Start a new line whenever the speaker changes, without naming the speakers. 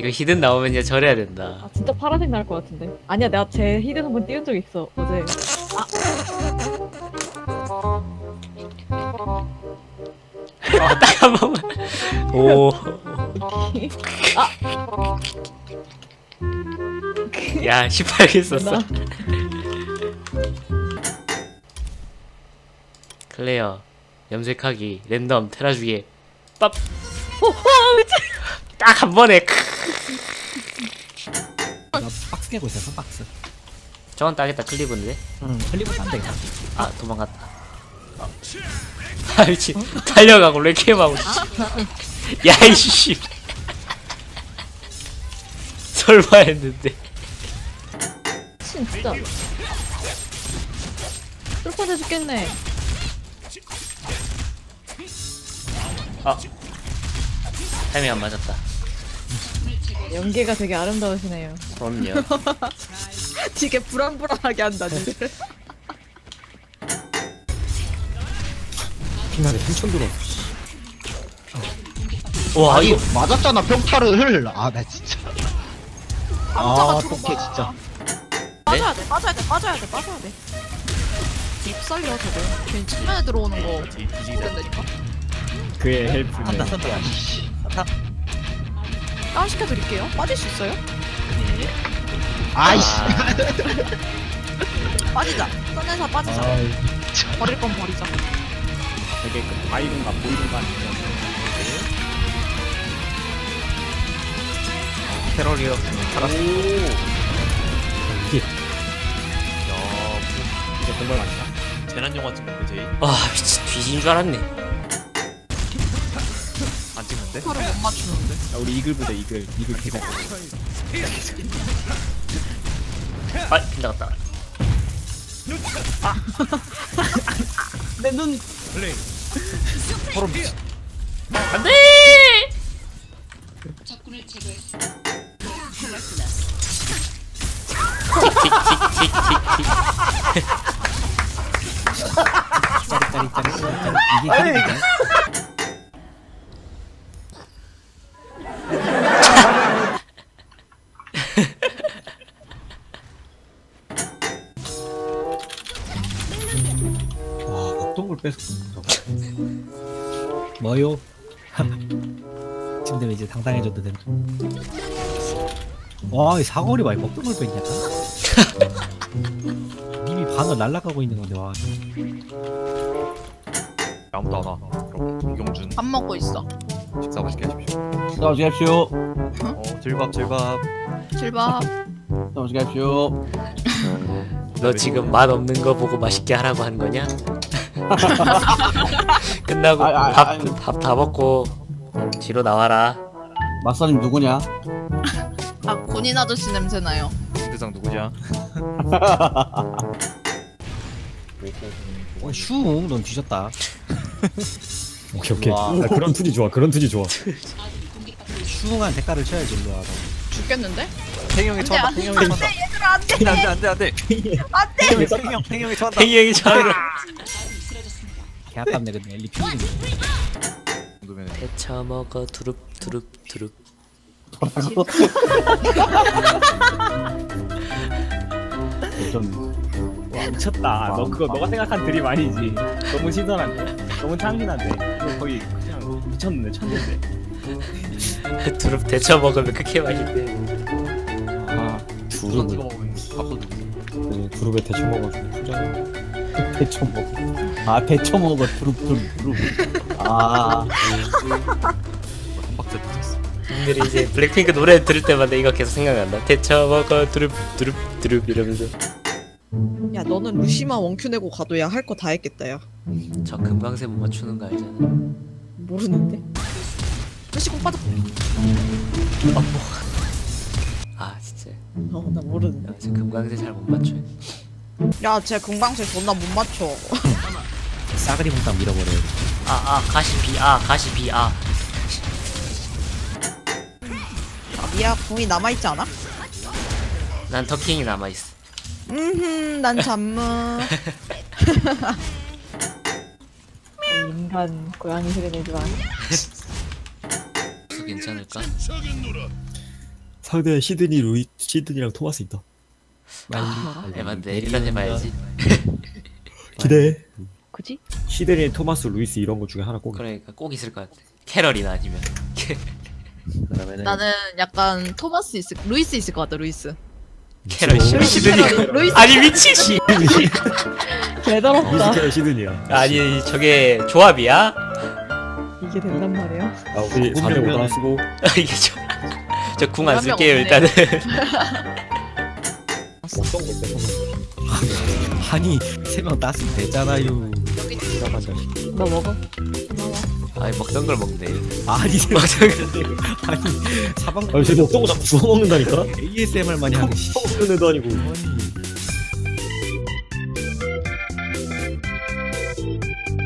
이거 히든 나오면 이제 절해야 된다.
아 진짜 파란색 나올 것 같은데. 아니야 내가 제 히든 한번 띄운 적 있어 어제.
딱 한 번만. 오.
아.
야 18개 썼어. 클레어 염색하기 랜덤 테라주기 ปั๊.
미친.
딱 한 번에.
나 박스 깨고 있었어 박스.
저건 따겠다 클리브인데.
응 클리브 안 되겠다.
아 도망갔다. 아 미친. 달려가고 레퀴엠하고. 야이씨. 설마 했는데.
진짜. 쫄파돼 죽겠네.
아 타이밍 안 맞았다.
연기가 되게 아름다우시네요.
그럼요.
되게 불안불안하게 한다 니들.
피나게 3천 들어.
와
아니
이거
맞았잖아 평타를. 아 나 진짜. 아 어떡해 진짜.
빠져야 돼, 빠져야 돼, 빠져야 돼, 빠져야 돼. 딥 살려 저거. 괜히 측면에 들어오는 거 모른다니까.
그의 헬프네. 한다 선다.
다운 시켜드릴게요. 빠질 수 있어요?
아이씨.
빠지자. 꺼내서 빠지자. 버릴 건 버리자.
되게 그 바이든가 보이든가
테러리어 살았어.
이게 이제 공발 맞다.
재난 영화 찍는데 제이
아 미친 뒤진 줄 알았네.
안 찍는데?
서를 못 맞추는데.
야, 우리 이글 부대 이글 개잘.
아 빗나갔다.
내 눈.
소름 끼치.
안돼.
짜릿짜릿짜릿. 이게 캐릭이네. 와 어떤 걸 뺏어 뭐요? 지금 되면 이제 당당해져도 된다. 와이 사거리 봐. 어떤 걸 뺐냐? 이미 반을 날아가고 있는 건데 와.
아무도 안 와. 그럼 이경준
밥 먹고 있어.
식사 맛있게 하십시오.
나오십시오.
질밥 질밥.
실밥.
나오십시오.
너 지금 맛 없는 거 보고 맛있게 하라고 한 거냐? 끝나고 밥 다 먹고 뒤로 나와라.
마사님 누구냐?
아 군인 아저씨 냄새 나요.
대상 누구냐?
슝, 넌 뒤졌다.
오케이 오케이.
와.
아, 그런 투지 좋아. 그런 투지 좋아.
슝한 대가를 쳐야지 일로 와.
죽겠는데?
팽형이 쳐한다. 팽형이 쳐한다.
얘들아 안돼.
안돼 안돼. 팽형이 쳐한다.
팽이 형이 저를
개 아깝네 근데 엘리 피우는
정도면
데쳐먹어 두릅 두릅 두릅.
좀
와 미쳤다. 너 그거 너가 생각한 드립 아니지. 너무 신선한데. 너무 창신한데. 그거 거의 그냥 미쳤는데 천재인데.
두릅 데쳐 먹으면 그렇게 맛있대.
아
두릅 찍어
두릅을
먹으면 밥도 주고.
네, 두릅에 데쳐 먹어주고 포장.
데쳐 먹어. 아 데쳐 먹어 두릅. 아
한 박자 붙였어.
님들이 이제 블랙핑크 노래 들을 때마다 이거 계속 생각난다. 데쳐 먹어 두릅 두릅 두릅 이러면서.
야 너는 루시마 원큐 내고 가도 야 할 거 다 했겠다 야.
저 금강새 못 맞추는 거 알잖아.
모르는데.
루시 공 빠져.
아 진짜.
나 모르는데.
야, 저 금강새 잘 못 맞춰.
야쟤 금방새 존나 못 맞춰.
싸그리 몽땅 밀어버려요.
가시 비 가시 비
아 미야 궁이 남아있지 않아?
난 터킹이 남아 있어.
난 잠무.
인간 고양이 소리 내지 마.
괜찮을까?
상대 시드니랑 토마스 있다.
에반데 일단 해봐야지.
기대해.
그지?
시드니, 토마스, 루이스 이런 거 중에 하나 꼭.
그러니까 꼭 있을 것 같아. 캐럴이나 아니면.
그러면은
나는 약간 토마스 루이스 있을 것 같다. 루이스.
캐럴 시드니.
루이스.
아니 미친 씨.
개더럽다.
루이스 시드니야.
아니 저게 조합이야?
이게 된단 말이야.
아, 우리 4대5 하나 쓰고.
이게 저 궁 안
한 명
쓸게요
없네.
일단은.
아니 3명 땄으면 되잖아요.
너 먹어.
아니 먹던 걸 먹네.
아니
먹던 걸.
아니 사방
아, 쟤 어떤 거 자꾸 주워 먹는다니까?
ASMR 많이 하는 씨.
먹는 애도 아니고.
아니